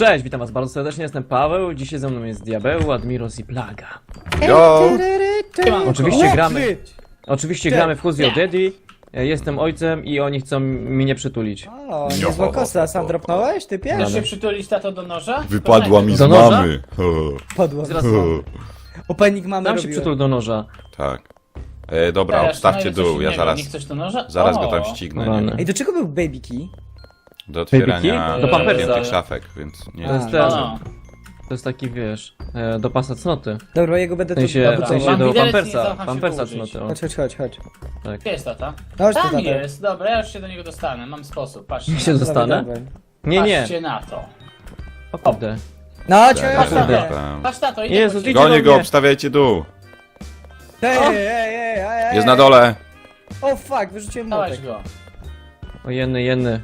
Cześć, witam was bardzo serdecznie, jestem Paweł, dzisiaj ze mną jest Diabeł, Admiros i Plaga. Yo! Oczywiście gramy w Who's Your Daddy, jestem ojcem i oni chcą mnie przytulić. O, niezła kosa, sam dropnąłeś, ty Chcesz pierwszy? się przytulić tato do noża? Wypadła mi z Do noża? mamy. Podło. Zaraz Opening mamy dam się robiłem. przytul do noża. Tak. Dobra, obstawcie dół, ja Nie chcesz do noża? zaraz go O, tam ścignę. Rany. Nie? Ej, do czego był baby key? Do otwierania Do pampersa. zamkniętych szafek, więc nie. To jest A, ten, O, to jest taki, wiesz, do pasa cnoty. Dobra, jego będę W sensie, tu... w sensie Mam do widelec, nie pampersa, zdącham się pampersa położyć. cnoty. O. Chodź. gdzie jest tata? Chodź tu, Tam tato. jest, dobra, ja już się do niego dostanę, mam sposób, patrzcie. Ja się na to. dostanę? Dawaj. Nie, Patrzcie na to. o kurde. No, cię Patrz na to, Tam. patrz na to, idę Jezu, po ciebie. idzie do Gonię go, mnie. obstawiajcie dół. Ej. Jest na dole. O fuck, wyrzuciłem Dawaj młotek. go. O jenny.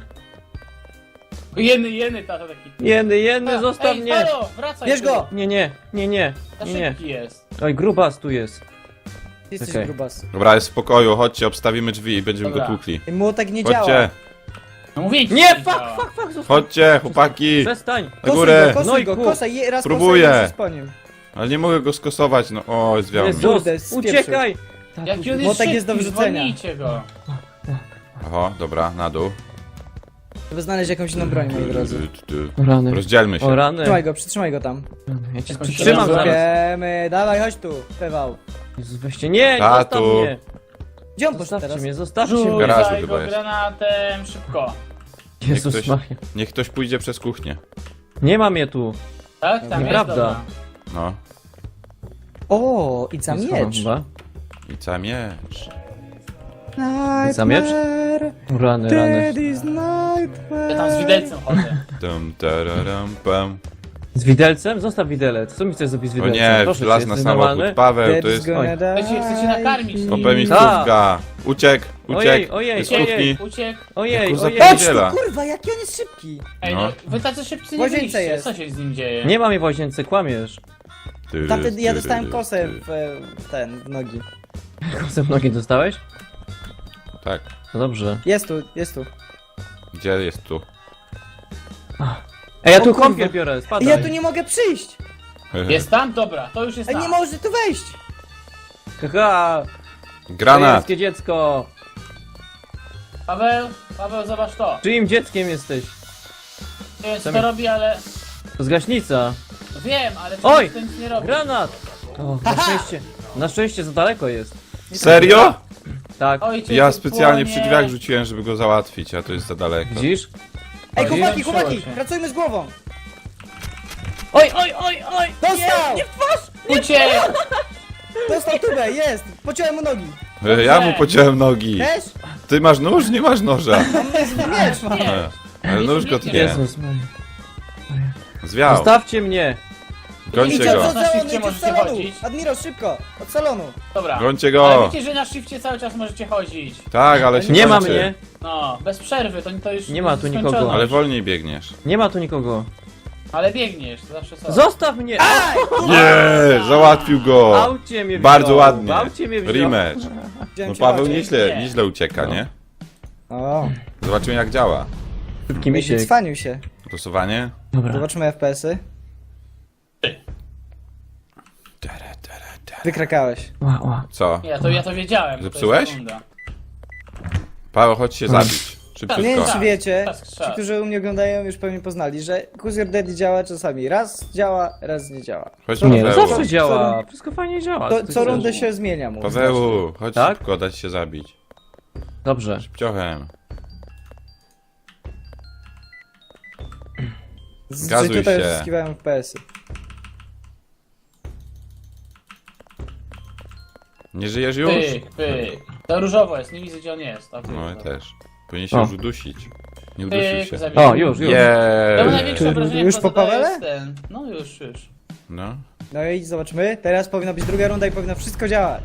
Jeny, tata taki. Jenny, zostaw Ej, mnie! halo, wracaj Bierz tu. go! Nie. Za szybki jest. Oj, grubas tu jest. Ty jesteś Okej. grubas. Dobra, jest w spokoju, chodźcie, obstawimy drzwi i będziemy Dobra. go tłukli. Ej, młotek nie działa. Chodźcie, No mówię ci, Nie, że fuck, działa. zostaw. chodźcie, chłopaki. Przestań. Na górę. Kosuj go, No i kosaj, raz Próbuję. kosaj, raz po nim. Ale nie mogę go skosować, no o, zwiał mnie. Jezus, Kurde, spieprzył. uciekaj! Jaki on jest Młotek szybki, jest do wyrzucenia. zwolnijcie go. Oho, dobra, na dół. Trzeba znaleźć jakąś inną broń, moi drodzy. Rany. Rozdzielmy O się. rany. Przytrzymaj go tam. Ja cię Jakąś przytrzymam żelazną- zaraz. Wiemy, dawaj, chodź tu, Pewał. Jezus, weźcie. Nie, Tatu. zostaw mnie. Gdzie on poszedł Zostawcie teraz? mnie, zostawcie mnie. Garażu Rzucaj chyba go jest. granatem, szybko. Jezus ktoś- Maria. Niech ktoś pójdzie przez kuchnię. Nie ma mnie tu. Tak? Tam Nieprawda. jest, dobra. No. O, i za Jest miecz. chyba. I ca miecz. Za miecz? Nightmare, Rany. Daddy's nightmare. Ja tam z widelcem chodzę. Dum, tararam, pam. Z widelcem? Zostaw widelec. Co mi chcesz zrobić z O widelcem? nie, Proszę cię, żelazny jesteś samochód. normalny? Paweł, to Daddy's jest... gonna Oj. die. Chcecie nakarmić. Opemistówka. Uciekł. Ojej, Z kuchni. Uciekł. Ojej, Kurwa, ojej. chodź! Chodź Niedziela. tu, kurwa, jaki on jest szybki. Ej, No. no, wy tacy szybcy W nie łazience byliście, jest. co się z nim dzieje? Nie mam jej w łazience, kłamiesz. Taty, ja dostałem kosę w nogi. Kosem nogi dostałeś? Tak. No dobrze. Jest tu. Gdzie jest tu? Ej, ja O tu kurwa. kąpiel biorę, Ej, spadaj. ja tu nie mogę przyjść. Jest tam? Dobra, to już jest Ej, tam. nie może tu wejść. Haha, Granat. Pańskie dziecko. Paweł, zobacz to. Czyim dzieckiem jesteś? Nie wiem, co Co to mi- robi, ale... To jest gaśnica. Wiem, ale Oj! to nic nie robi. Granat! O, na szczęście za daleko jest. Serio? Tak, Oj, cię Ja tu specjalnie płonie. przy drzwiach rzuciłem, żeby go załatwić, a to jest za daleko. widzisz? Ej, Oj, chłopaki, zmęczyło się. pracujmy z głową. Oj! Dostał! Uciekł! Dostał tubę, jest. Pociąłem mu nogi. Ja mu pociąłem nogi. Też? Ty masz nóż? Nie masz noża. Miecz ma. Nie. Ale nóż go tnie. Jezus Maria. Zwiał. Zostawcie mnie! Gońcie Idź od go. Na salonu, shifcie idź od możecie salonu. chodzić. Admiro, szybko. Od salonu. Dobra. Gońcie Ale go. wiecie, że na shifcie cały czas możecie chodzić. Tak, ale się Nie ma kończy. mnie! No, bez przerwy, to już Nie ma tu skończone. nikogo. Ale wolniej biegniesz. Nie ma tu nikogo. Ale biegniesz, to zawsze są. Zostaw mnie! Nie, załatwił go. Aucie mnie wziął! Bardzo ładnie. Aucie mnie wziął! Rematch. Wziąłem No cię Paweł zobaczyć. nieźle ucieka, nie? O, Zobaczymy jak działa. Szybki misiek. cwanił się. Głosowanie? Dobra. Zobaczymy FPS-y. Wykrakałeś. Ła. Co? Ja to wiedziałem. to Zepsułeś? jest sekunda. Paweł, chodź się zabić. Nie wiem, Szybciutko. czy wiecie, Czas. ci, którzy u mnie oglądają, już pewnie poznali, że Who's Your Daddy działa czasami. Raz działa, raz nie działa. Chodź Nie, no Paweł. zawsze działa. Wszystko fajnie działa. To, ty co chcesz? rundę się zmienia mu. Paweł, chodź Tak? szybko, dać się zabić. Dobrze. Szybciochem. Z Gazuj tutaj się. zyskiwałem FPS-y. Nie żyjesz już? Pyk. To różowo jest, nie widzę gdzie on jest. A, pyk, No i dobra. też. Powinien się O. już udusić. Nie udusił Pyk, się. zabiłem. O, już. To było Jeee. największe obrażenie, Już po po Pawele? No już. No. No i zobaczmy. Teraz powinna być druga runda i powinno wszystko działać.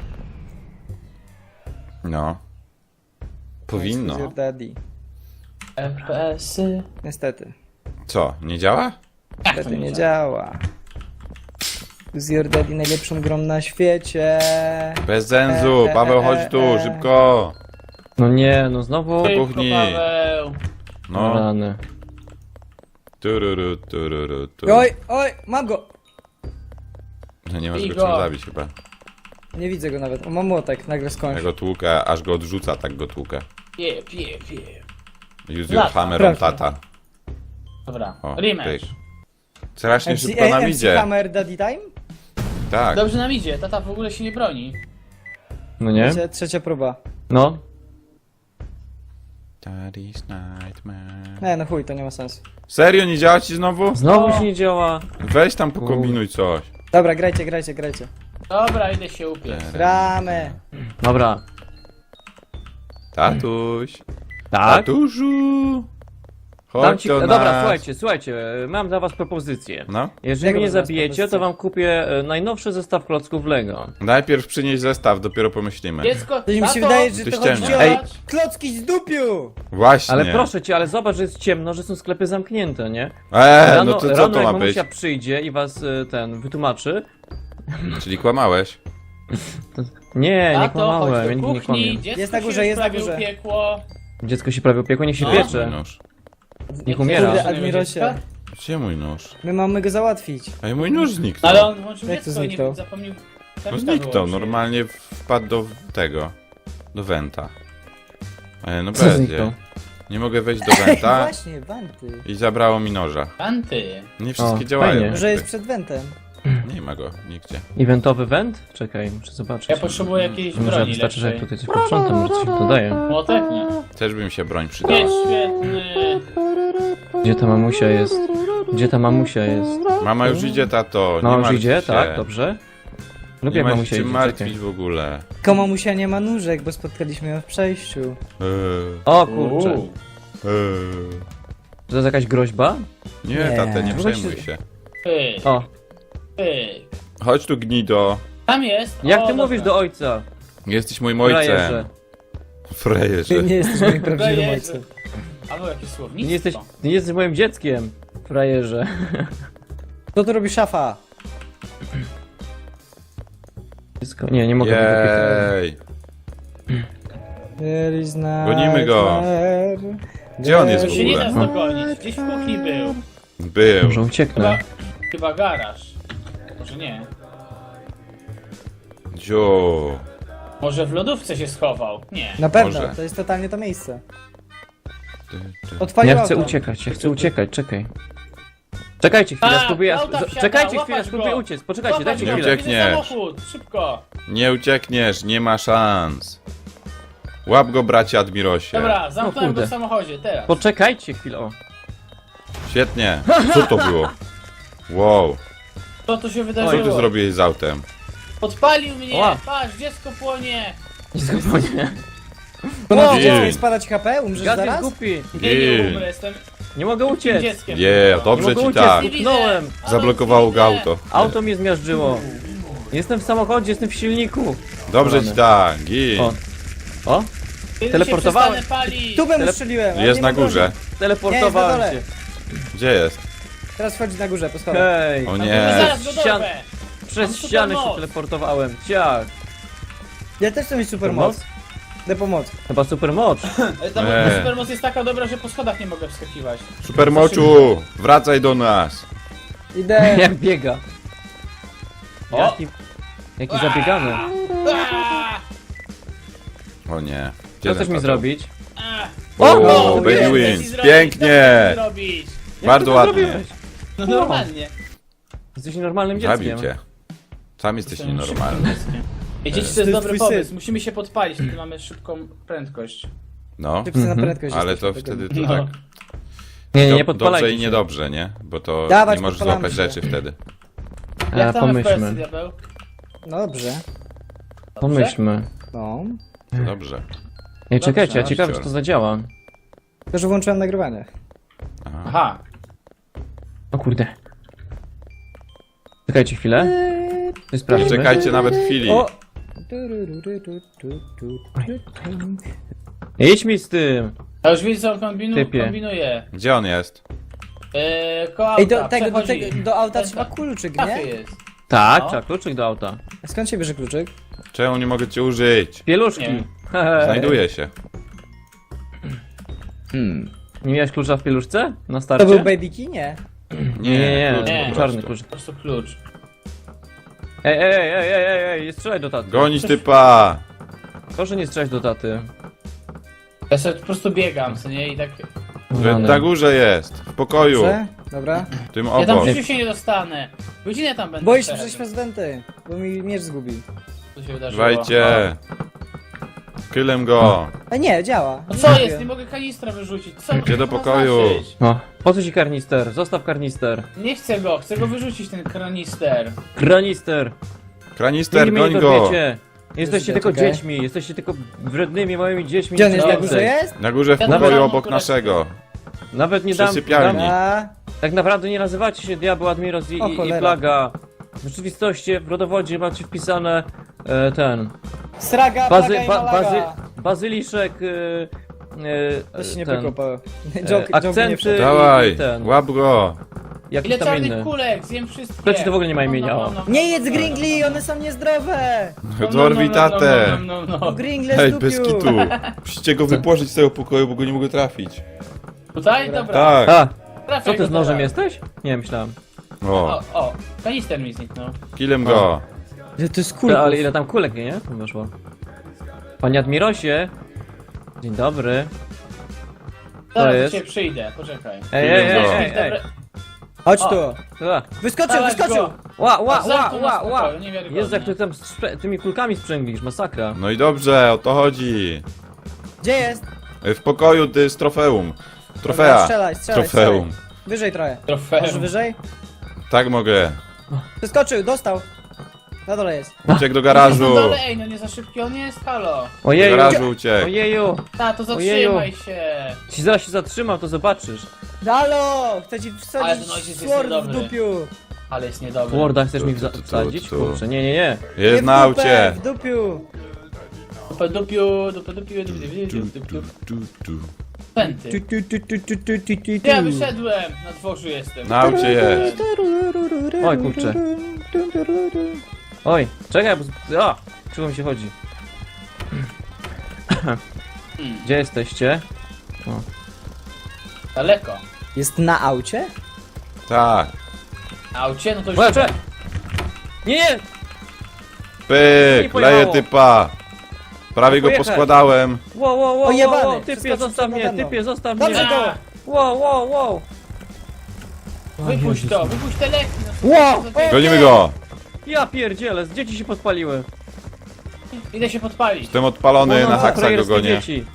No. Who's Powinno. Your Daddy. FPS-y. Niestety. Co, nie działa? Niestety nie działa. Who's Your Daddy najlepszą grą na świecie. Bez zenzu. Paweł, chodź tu, szybko. No nie, no znowu. Ty- Szybko, kuchni. Paweł. No. Rany. Tururu, tururu, Oj, oj, mam go! No nie może go Igor. czym zabić chyba. Nie widzę go nawet. O, mam młotek, nagle Ja skończę. go tłukę, aż go odrzuca, tak go tłukę. Jeb. Use your Lata. hammer on Prawda. tata. Dobra, O, rematch. pyk. Strasznie MC, szybko nam MC idzie. Hammer Daddy Time? Tak. Dobrze nam idzie, tata w ogóle się nie broni. No nie? Trzecia próba. No. Daddy's nightmare. Nie, no chuj, to nie ma sensu. Serio, nie działa ci znowu? Znowu No. się nie działa. Weź tam pokombinuj coś. Dobra, grajcie. Dobra, idę się upiec. Gramy. Dobra. Tatuś. Tak? Tatusiu. Dam Chodź ci... do Dobra, nas. słuchajcie, mam dla was propozycję. No. Jeżeli Jaką mnie dla was zabijecie, propozycję? to wam kupię najnowszy zestaw klocków Lego. Najpierw przynieś zestaw, dopiero pomyślimy. Dziecko, To mi się tato, wydaje, że Ty to chodzi ściemnia. o Ej. klocki z dupiu! Właśnie. Ale proszę cię, ale zobacz, że jest ciemno, że są sklepy zamknięte, nie? No to co rano to jak ma być? mamusia przyjdzie i was wytłumaczy. Czyli kłamałeś? Nie, nie tato, kłamałem, ja chodź do nigdy nie kuchni, kłamię. dziecko Jest na górze, się jest na prawie górze. upiekło. Dziecko się prawie opiekło, niech się No. piecze. Mój nóż. Niech umiera. Kurde, Żadnego Admirosie. dziecka? Gdzie mój nóż? My mamy go załatwić. Ej, mój nóż zniknął. Ale on włączył Jak to dziecko i zniknął? nie zapomniał. No Tarczka zniknął, wyłączyć. normalnie wpadł do tego. Do Wenta. No Co będzie. zniknął? Nie mogę wejść do Wenta Właśnie, wanty. i zabrało mi noża. Anty. Nie wszystkie O, działają. fajnie. jakby. Że jest przed wentem. Nie ma go nigdzie. Eventowy wend? Czekaj, muszę zobaczyć. Ja potrzebuję jakiejś Może broni wystarczy, że jak lepszej. tutaj coś posprzątam, może coś dodaję. Młotek nie. Też by mi się broń przydała. Nie, świetny. Gdzie ta mamusia jest? Gdzie ta mamusia jest? Mama już idzie, tato. No nie już martw idzie, się. tak, dobrze. Nie Lubię jak ma się mamusia czym idzie, martwić czekaj. w ogóle. Tylko mamusia nie ma nóżek, bo spotkaliśmy ją w przejściu. O kurczę, Uuu. to jest jakaś groźba? Nie, Nie. tatę, nie Weź przejmuj się- się. Pyk, O, pyk. Chodź tu, gnido. Tam jest. jak O, ty dobra. mówisz do ojca? Jesteś moim Frajerze. ojcem. Frajerze. Ty nie jesteś moim prawdziwym Frajerze. ojcem. Albo jakieś Ty słownictwo. nie jesteś moim dzieckiem, frajerze. Co tu robi szafa? Dziecko, nie mogę być Jej. There is Gonimy go. nightmare. Gdzie on jest To w się nie ogóle? da dogonić. Gdzieś w kuchni był. Był. Może ucieknę. Chyba garaż. Może nie. Dziu. Może w lodówce się schował. Nie. Na pewno, Może. to jest totalnie to miejsce. Ty. Odpalił Ja chcę auto. uciekać, czekaj. Czekajcie chwilę, A, spróbuję. auta wsiada, Czekajcie łapać chwilę, go. spróbuję uciec. Poczekajcie, Zobacz, dajcie Nie chwilę. uciekniesz. Widzę samochód, szybko. Nie uciekniesz, nie ma szans. Łap go, bracie Admirosie. Dobra, zamknąłem kurde. go w samochodzie, teraz. Poczekajcie chwilę, o. Świetnie. Co to było? Wow. Co tu się Co wydarzyło? ty zrobiłeś z autem? Podpalił mnie! Ła. Patrz, dziecko płonie! Nie. Ponad Jej. dziecko jest spadać HP? Umrzesz Gaz jest zaraz? głupi. Nie, nie Jej. umrę, jestem Nie mogę tym uciec. dzieckiem. Je, Nie dobrze mogę ci uciec, tak. utknąłem. Zablokowało go auto. Auto mnie zmiażdżyło. Jestem w samochodzie, jestem w silniku. Dobrze ci tak. Gin. O. O, Kiedy teleportowałem. się przestanę palić? Tu bym ustrzeliłem. ale Jest nie na ma broni. górze. teleportowałem Nie, się. jest Gdzie jest? Teraz wchodzi na górze, po schodach. Hej, O No, nie. zaraz go Ścian- dorwę! przez Mam ścianę się supermoc. teleportowałem. Ciach. Ja też chcę mieć supermoc. Idę pomoc. Chyba super moc. Ale ta supermoc jest taka dobra, że po schodach nie mogę wskakiwać. Supermociu, wracaj do nas. Idę. Jak biega. O! Jaki zabiegany. Aaa! O nie. Co chcesz mi zrobić? Aaa! O, O, baby Chcesz mi wins. zrobić, Pięknie. co chcesz mi zrobić? Bardzo to ładnie. zrobiłeś? No normalnie. Jesteś normalnym Zabił dzieckiem. cię. Sam jesteś nienormalny. Ej, dzieci, to To jest jest dobry twój pomysł. syn. Musimy się podpalić, wtedy mamy szybką prędkość. No, Szybcy na Mhm. prędkość ale jesteśmy to tego. wtedy to No. tak. Nie, Do- nie podpalajcie Dobrze i się. niedobrze, nie? Bo to Dawać, nie możesz podpalamy złapać się. rzeczy wtedy. Jak tam FPS-y, Pomyślmy. diabeł? No dobrze. Pomyślmy. No. To dobrze. Nie, czekajcie, ja Dobrze. ciekawe, czy to zadziała. To, że włączyłem nagrywanie. Aha. O kurde. Czekajcie chwilę. Nie Sprawdźmy. czekajcie nawet chwili. O! Idź mi z tym. Ja już widzę, co on Typie. kombinuje. Gdzie on jest? Koło Ej, do auta, tego, przechodzi. do auta Ten trzeba kluczyk, w kafie nie? jest. Tak, No. trzeba kluczyk do auta. A skąd się bierze kluczyk? Czemu nie mogę cię użyć? Pieluszki. Nie. Znajduje się. Nie miałeś klucza w pieluszce? Na To starcie? był baby key? Nie. Nie, klucz nie, po czarny prostu. klucz. Po prostu klucz. Ej, nie strzelaj do taty. Gonić typa! Proszę nie strzelać do taty. Ja sobie po prostu biegam, co nie? I tak... Na górze jest, w pokoju, Dobrze? Dobra. tym Ja tam w obok. życiu się nie dostanę. Godzinę tam będę Boisz się szedł. przez prezydenty, bo mi miecz zgubił. Co się wydarzyło? Wajcie! Kylem go! A nie, działa. No co jest? Nie mogę kanistra wyrzucić. Co Gdzie do to ma pokoju? znaczyć? No. Po co ci karnister? Zostaw karnister. Nie chcę go wyrzucić, ten kanister. Granister! Kranister, Nigdy goń mnie nie go! dorwiecie. Jesteście tylko Czekaj. dziećmi, jesteście tylko wrednymi małymi dziećmi. Gdzie on jest, na Dobrze. górze jest? Na górze w Ja pokoju nawet- obok naszego. Nawet nie Przy sypialni. A, Tak naprawdę nie nazywacie się Diabeł, Admiros O, i cholera. Plaga. W rzeczywistości w rodowodzie macie wpisane ten... sraga, plaga i malaga. Bazyliszek... To się nie ten, wykopało. Joke nie akcenty wszedł. Dawaj, i ten. łap go! Jakiś Ile tam czarnych inny. kulek? Zjem wszystkie. To ci to w ogóle nie ma imienia. Nie jedz gringli, one są niezdrowe. Dorwij tatę! No. Gringle Hej, z bez dupiu. kitu! Musicie go wypłożyć z tego pokoju, bo go nie mogę trafić. Tutaj? Dobra. Tak! A, Trafię co ty go z nożem teraz. jesteś? Nie, myślałem. O, O, kanister mi zniknął. killem go! Że to jest kulkus. Ale ile tam kulek, nie? Tam weszło. Panie Admirosie. Dzień dobry. Zaraz jest? do ciebie przyjdę, poczekaj. Ej. Chodź O. tu. A, Wyskoczył, Dawaj wyskoczył. go. ła, Zamknął nas w pokoju, niewiarygodne. Jezu, jak ty tam tymi kulkami sprzęglisz, masakra. No i dobrze, o to chodzi. Gdzie jest? W pokoju ty z trofeum. Dobra, Trofea. strzelaj. Trofeum. Wyżej trochę. Trofeum. Może wyżej? Tak mogę. Wyskoczył, dostał. Na dole jest. Uciekł do Na garażu. dole, ej, no nie za szybki on jest, halo. Do Ojeju, garażu uciekł. ojeju. Ta, to Ojeju. zatrzymaj się. Ci zaraz się zatrzymał, to zobaczysz. Halo! Chcę ci Ale wsadzić ten ojciec jest sword w niedobry. dupiu. Ale jest niedobry. Warda, chcesz mi Tu. wsadzić? Kurczę, nie. Nie Jest w na dupę, aucie. w dupiu. Pęty. Tu. Ja wyszedłem, na dworzu jestem. Na aucie jest. Oj, kurczę. Oj, czekaj, bo... A! Czego mi się chodzi? Gdzie jesteście? Daleko. Jest na aucie? Tak. A aucie, no to już... Oj, czekaj! Nie! Pyk, pojechało. leję typa. Prawie go Pojechać. poskładałem. Wow, Ojebany, typie, przeskoczył zostaw przed mnie, nade mną. typie, zostaw Dobrze mnie! go! Wow. Wypuść to, wypuść te leki. No, Wow, co za- Gonimy go. Ja pierdzielę, dzieci się podpaliły. Idę się podpalić. Jestem odpalony, na haksa go frajerskie gonię. dzieci.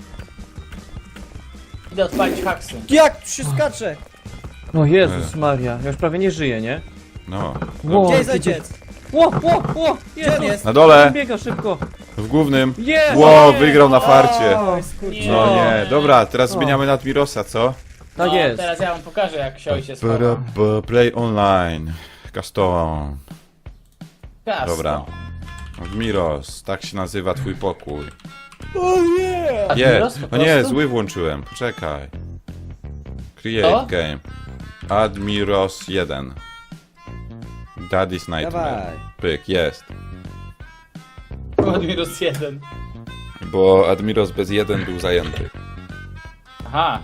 Idę odpalić haksy. Jak tu się skacze? No Jezus Maria, ja już prawie nie żyję, nie? No. Wow. Gdzie jest ojciec? Ło, Gdzie on jest? Na dole, Biega szybko. w głównym. Jest! Ło, wygrał na farcie. Oj, skurcz. Nie. No nie, dobra, teraz zmieniamy na Admirosa, co? Tak No, jest. teraz ja wam pokażę, jak się ojciec chowa. Play online. Custom. Jasno. Dobra. Admiros, tak się nazywa twój pokój. O nie! Admiros, Nie, po no nie, prostu? zły włączyłem, poczekaj. Create Co? game. Admiros 1. Daddy's Nightmare. Dawaj. Pyk, jest. Admiros 1. Bo Admiros bez 1 był zajęty. Aha.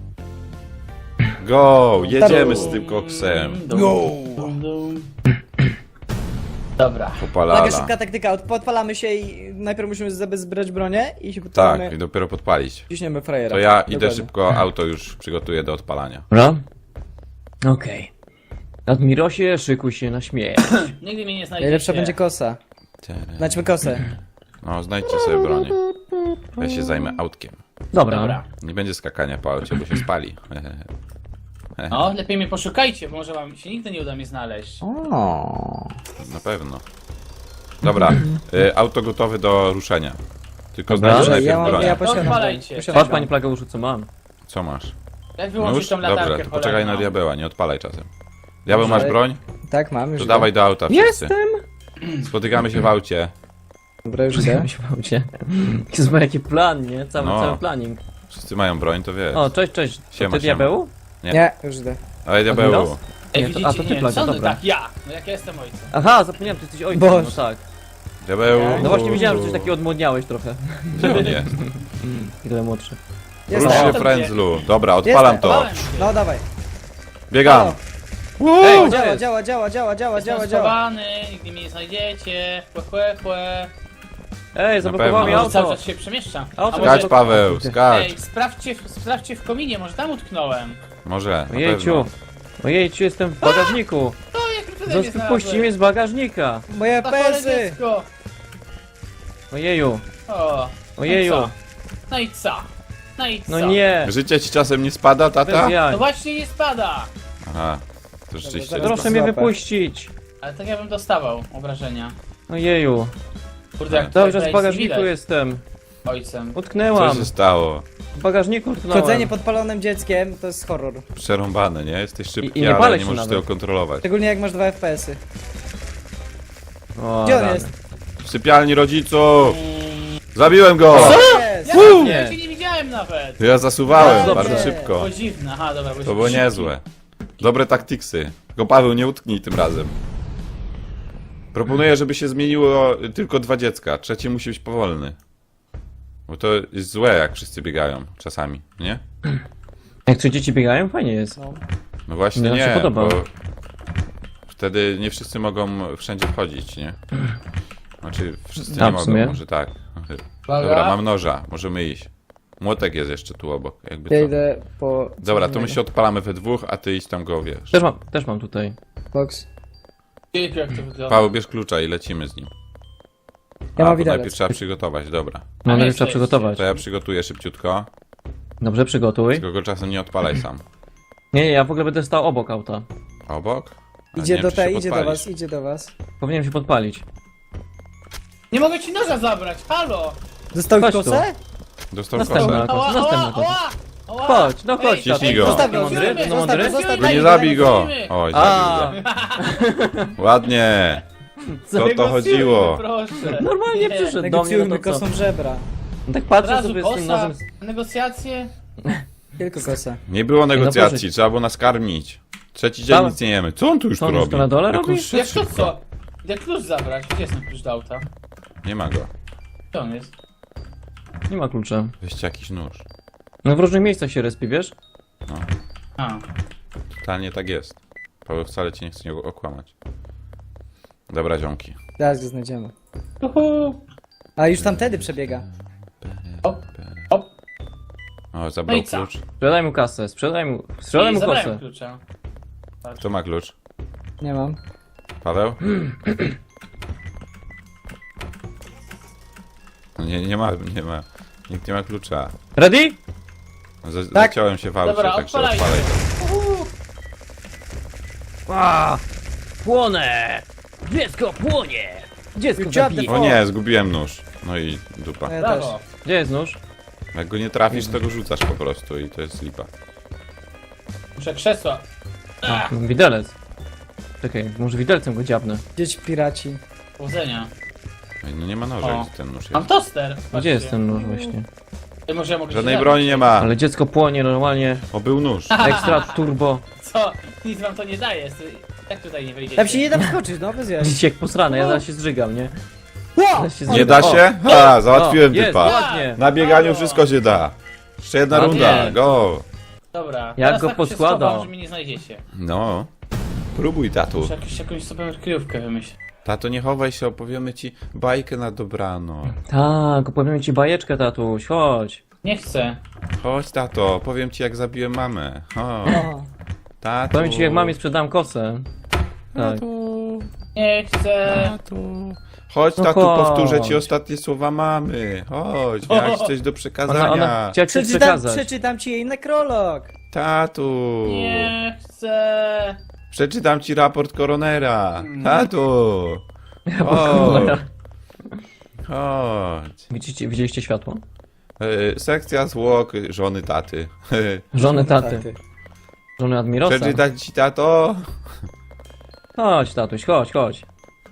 Go, jedziemy z tym koksem. Go! Dobra. Taka Popalala. szybka taktyka, podpalamy się i najpierw musimy zabezbrać bronię i się Tak, podpalamy. i dopiero podpalić. Ciśniemy frajera. To ja idę Dokładnie. szybko, auto już przygotuję do odpalania. Dobra. Okej. Admirosie, szykuj się na śmierć. Nigdy mnie nie znajdziecie. Najlepsza będzie kosa. Znajdźmy kosę. No, znajdźcie sobie bronię. Ja się zajmę autkiem. Dobra. Dobra. Nie będzie skakania po aucie, bo się spali. No, lepiej mnie poszukajcie, bo może wam się nigdy nie uda mnie znaleźć. O. Na pewno. Dobra, auto gotowe do ruszenia. Tylko Dobra. znajdź Dobrze, najpierw ja bronię. posiadam Odpalajcie. broń. Posiadam Patrz, broń. panie Plageuszu, co mam. Co masz? Jak No wyłączyć już? tą latarkę Dobra, to poczekaj na cholerną? diabeła, nie odpalaj czasem. Diabeł, masz Dobrze. broń? Tak, mam już. To idę. dawaj do auta wszyscy. Jestem! Spotykamy się w aucie. Dobra, już idę. Myślałem cię. Jezu, jaki plan, nie? Cały, No. cały planning. Wszyscy mają broń, to wiesz. O, cześć. To Siema, ty diabeł? Nie, już idę. Dawaj diabeł. Admiros? Ej, Nie, to- widzicie? a, to ty nie, Plaga, sądzę, dobra. tak, ja. No jak ja jestem ojcem. Aha, zapomniałem, ty jesteś ojcem, Boże. no tak. Diabeł. No właśnie widziałem, że coś takiego odmłodniałeś trochę. Gdzie on jest? Tyle młodszy. Jest Rusz tam. się, frędzlu. Dobra, odpalam to. Bałem się. No dawaj. Biegam. O, gdzie działa, jest? Jestem schowany, nigdy mnie nie znajdziecie. Chłe. Ej, zablokowało pewno. mi Może cały auto. czas się przemieszczam. Auto A skacz, Skacz, może... Paweł, skacz. Ej, sprawdźcie w kominie, może tam utknąłem. Może, na Ojejciu. pewno. Ojejciu, jestem w bagażniku. To jak tutaj mnie Wypuści mnie z bagażnika. Moje Na chore pesy! dziecko. Ojeju. O. Ojeju. No i co? No i co? No nie. Życie ci czasem nie spada, tata? Bez jaj. No właśnie nie spada. Aha, to rzeczywiście. Dobra, Proszę mnie Złapę. wypuścić. Ale tak ja bym dostawał obrażenia. Ojeju. Kurde, jak Dobrze, tutaj w nic bagażniku widać jestem. Ojcem. Co Utknęłam. się stało? W bagażniku utknąłem. Chodzenie podpalonym dzieckiem to jest horror. Przerąbane, nie? Jesteś szybki, I nie ale palę nie się możesz nawet. tego kontrolować. Szczególnie jak masz 2 FPS-y. O, Gdzie on rany. jest? W sypialni rodziców! Zabiłem go! Jest! Ja Nie. cię nie widziałem nawet. Ja zasuwałem Dobrze. bardzo szybko. Było dziwne, aha dobra. To było niezłe. Dobre taktiksy. Tylko Paweł, nie utknij tym razem. Proponuję, żeby się zmieniło tylko 2 dziecka. Trzeci musi być powolny. Bo to jest złe, jak wszyscy biegają czasami, nie? Jak 3 dzieci biegają, fajnie jest. No właśnie Mi się nie, podoba. bo wtedy nie wszyscy mogą wszędzie wchodzić, nie? Znaczy, wszyscy A, nie w mogą, sumie? może tak. Uwaga. Dobra, mam noża, możemy iść. Młotek jest jeszcze tu obok, jakby Ja co. idę po... Dobra, to my się odpalamy we dwóch, a ty idź tam go, wiesz. Też mam tutaj. Box. Jejku, jak to wygląda. Paweł, bierz klucza i lecimy z nim. Ja A, mam bo widelec. najpierw trzeba przygotować, dobra. No, nie, najpierw trzeba jest. przygotować. To ja przygotuję szybciutko, Dobrze, przygotuj. tylko go czasem nie odpalaj sam. Nie, ja w ogóle będę stał obok auta. Obok? A nie Idzie wiem, do czy się tej, idzie do podpalisz. was, idzie do was. Powinienem się podpalić. Nie mogę ci noża zabrać, halo! Dostał Chodź kosę? Dostał Następna. kosę. Ała, następna kosa. ała! Chodź, no chodź, Ej, ciśnij go. Zostaw go, Mądry? zostaw No mądry? go, zostaw No nie go. zabij go! Lecimy. Oj, A, zabił go. Ładnie! Co to Negocjujmy, chodziło? Proszę. normalnie Nie. przyszedł do mnie, Negocjujmy no to co? kosą żebra. No tak Od patrzę razu sobie z tym kosa, nożem. negocjacje. Tylko kosa. Nie było no negocjacji, proszę. trzeba było nas karmić. Trzeci dzień Dawaj. nic nie jemy. Co on tu już Co tu on już robi? tu na dole Jak on robi? szedł Jak to szybko. co? Jak klucz zabrać? Gdzie jest ten klucz do auta? Nie ma go. Gdzie on jest? Nie ma klucza. Weźcie jakiś nóż. No w różnych miejscach się respi, wiesz? A. Totalnie tak jest. Paweł wcale cię nie chce okłamać. Dobra, ziomki. Zaraz go znajdziemy. Uhu. A już tamtędy przebiega. Hop, hop. O, zabrał No i co? klucz. Sprzedaj mu kasę, sprzedaj mu I zabrałem kosę. klucza. Kto ma klucz? Nie mam. Paweł? No nie ma. Nikt nie ma klucza. Ready? Tak. Zaciąłem się w aucie, Dobra, także odpalaj. odpalaj to. A, płonę! Dziecko płonie! Dziecko Good job, zabije. O nie, zgubiłem nóż. No i dupa. No ja też. Brawo. Gdzie jest nóż? Jak go nie trafisz, to go rzucasz po prostu i to jest lipa. Muszę krzesła. A, mam widelec. Czekaj, może widelcem go dziabnę. Dzieci piraci. Powodzenia. Ej, no nie ma noża, O. gdzie ten nóż Mam jest. toster. Gdzie jest ten nóż właśnie? Ej, może ja mogę Żadnej się broni nie ma. Ale dziecko płonie normalnie. O, był nóż. Ekstra turbo. Co? Nic wam to nie daje. Jak tutaj nie wejdziecie? Tam się nie da wskoczyć, no bez jaj. Dzieciak posrane, ja zaraz się zżygam, nie? Wow! Zaraz się Nie zżygam. da się? Ha, załatwiłem jest, typa. ładnie. Na bieganiu Brawo. wszystko się da. Jeszcze jedna Ładnie. runda, go. Dobra. Jak teraz go tak poskładał. się schowam, że mnie nie znajdziecie. No. Próbuj, tatu. Muszę jakąś sobie kryjówkę wymyślić. Tato, nie chowaj się, opowiemy ci bajkę na dobrano. Tak, opowiem ci bajeczkę, tatuś, chodź. Nie chcę. Chodź, tato, powiem ci jak zabiłem mamę. Chodź, O, tato. Powiem ci, jak mamie sprzedam kosę. Tak. Tato, Nie chcę. tato. Chodź, No tatu, chodź. powtórzę ci ostatnie słowa mamy. Chodź, miałeś coś do przekazania. Ona chciała ci przeczytam, przekazać. przeczytam ci jej nekrolog. Tatu. Nie chcę. Przeczytam ci raport koronera. Tatu. Cholera. Chodź. Widzieliście światło? Sekcja zwłok żony taty. Żony taty. Żony Admirosa. Przeczytać ci, tato? Chodź, tatuś, chodź, chodź.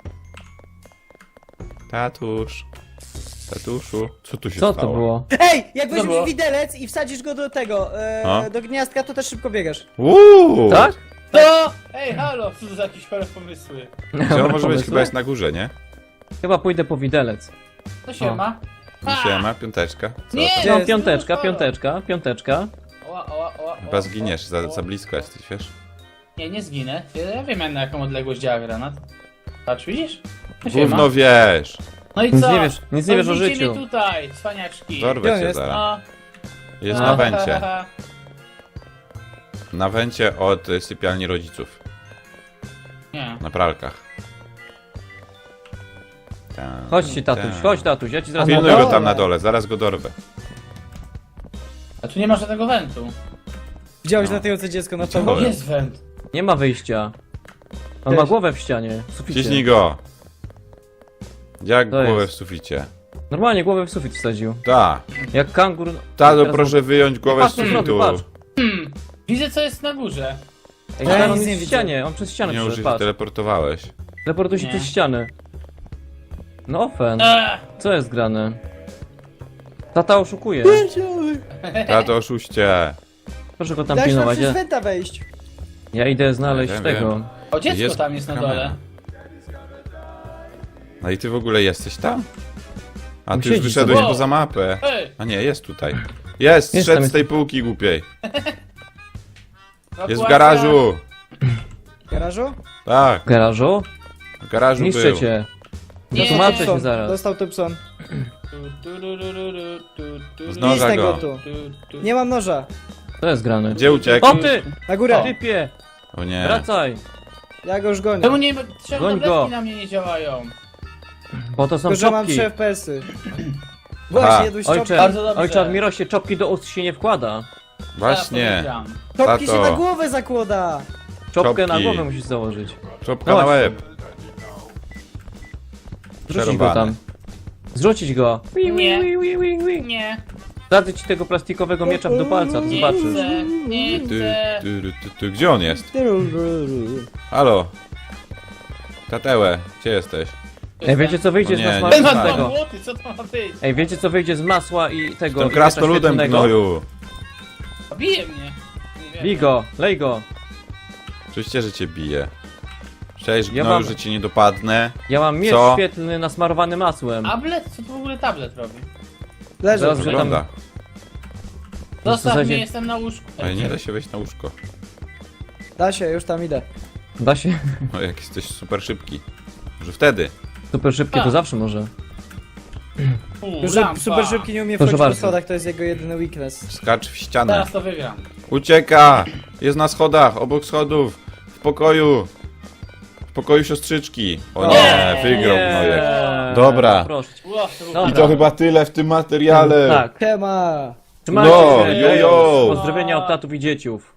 Tatusz. Tatuszu. Co tu się Co stało? to było? Ej, jak Co weźmiesz było? widelec i wsadzisz go do tego, A? do gniazdka, to też szybko biegasz. Uuu! Tak? To! Ej, halo! Co to za jakieś chore pomysły? Gdzie on może być? Pomysły? Chyba jest na górze, nie? Chyba pójdę po widelec. To się O. ma. Siema, piąteczka. Co? Nie! Gdzie No, jest? piąteczka, piąteczka, piąteczka. Oła. Chyba zginiesz, za blisko jesteś, wiesz? Nie zginę. Ja wiem na jaką odległość działa granat. Patrz, widzisz? Siema. Gówno wiesz! No i Nic co? nie wiesz- nic nie wiesz o Podbijcie życiu. mnie tutaj, cwaniaczki. Dorwę Gdzie on cię jest? zaraz. No. Jest na wencie. Na wencie od sypialni rodziców. Nie. Na pralkach. Chodźcie, tatuś, chodź, tatuś, ja ci zaraz Pilnuj na go dole. tam na dole, zaraz go dorwę. A tu nie ma żadnego wentu. Widziałeś No. latające dziecko na Widziałem. tobą? Jest went. Nie ma wyjścia. On ma Cześć. głowę w ścianie, w suficie. Ciśnij go! Jak To głowę jest. w suficie? Normalnie głowę w sufit wsadził. Ta! Jak kangur. Tato, Teraz- proszę wyjąć głowę z Patrz, co zrobił, sufitu! patrz. Widzę co jest na górze. Ej, Ja on nic jest nie w widzę. ścianie, on przez ścianę Nie przyszedł, użyj, patrz. teleportowałeś. Teleportuje się Nie. przez ścianę. No ofen, co jest grane? Tata oszukuje. Tato, oszuście! Proszę go tam Dałeś nam pilnować. przez Ja, wenta wejść. ja idę znaleźć Wiem, tego. wiem. O, dziecko Jest tam jest na kamera. dole. No i ty w ogóle jesteś tam? A Tam ty już siedzi wyszedłeś sobie. poza mapę. Ej! A nie, jest tutaj. Jest, Jest szedł tam, z tej półki głupiej. Jest w ewakuacja. garażu! W garażu? Tak, W garażu? w garażu Niszczę był. cię. Nie. Tłumaczę Thompson. się zaraz. Dostał Thompson. Z Idź noża tego go. tu. Nie mam noża. Co jest grane? Gdzie uciekł? O ty! Na górę. Typie! O nie. Wracaj! Ja go już gonię. Czemu nie, czemu Goń go. tabletki na mnie nie działają? Bo to są Tylko, że mam czopki. 3 FPS-y. Aha. Właśnie, jadłeś czopki. Ojcze, Bardzo dobrze. ojcze Admirosie, czopki do ust się nie wkłada. Właśnie. Wygram. Czopki się Tato. na głowę zakłada. Czopkę na Czopki. głowę musisz założyć. Czopka na Chodź. łeb. Zrzucić go Przerąbane. tam. Zrzucić go. Nie. Nie. Nie. Dadzę ci tego plastikowego miecza do palca, to Nie zobaczysz. chcę. Nie Ty, chcę. ty. Gdzie on jest? Halo? Tatełę, gdzie jesteś? Ej, wiecie co wyjdzie O z nie, masła nie Ten ma z ma dwa tego? młoty, co to ma być? Ej, wiecie co wyjdzie z masła i tego? Tym i krasnoludem miecza świetlnego? gnoju. Bije mnie. Nie wiem. Bij go, lej go. Oczywiście, że cię bije. Cześć, Ja gnoju, mam- że cię nie dopadnę. Ja mam miecz Co? świetlny nasmarowany masłem. Tablet? Co tu w ogóle tablet robi? Leży. Zaraz, że tam... Wygląda. Zostaw zasadzie- mnie, jestem na łóżku. Ale nie da się wejść na łóżko. Da się, już tam idę. Da się. No jak jesteś super szybki. Może wtedy. Super szybkie, to A. zawsze może. Że Lampa. super szybki nie umie Proszę wchodzić po bardzo. schodach, to jest jego jedyny weakness. Skacz w ścianę. Teraz to wygram. Ucieka! Jest na schodach, obok schodów. W pokoju. W pokoju siostrzyczki. O nie, wygrał gnojek. Dobra. Proszę cię. Ło, to Dobra. I to chyba tyle w tym materiale. Tak. Siema. Trzymajcie No, się. jojo. Pozdrowienia od tatów i dzieciów.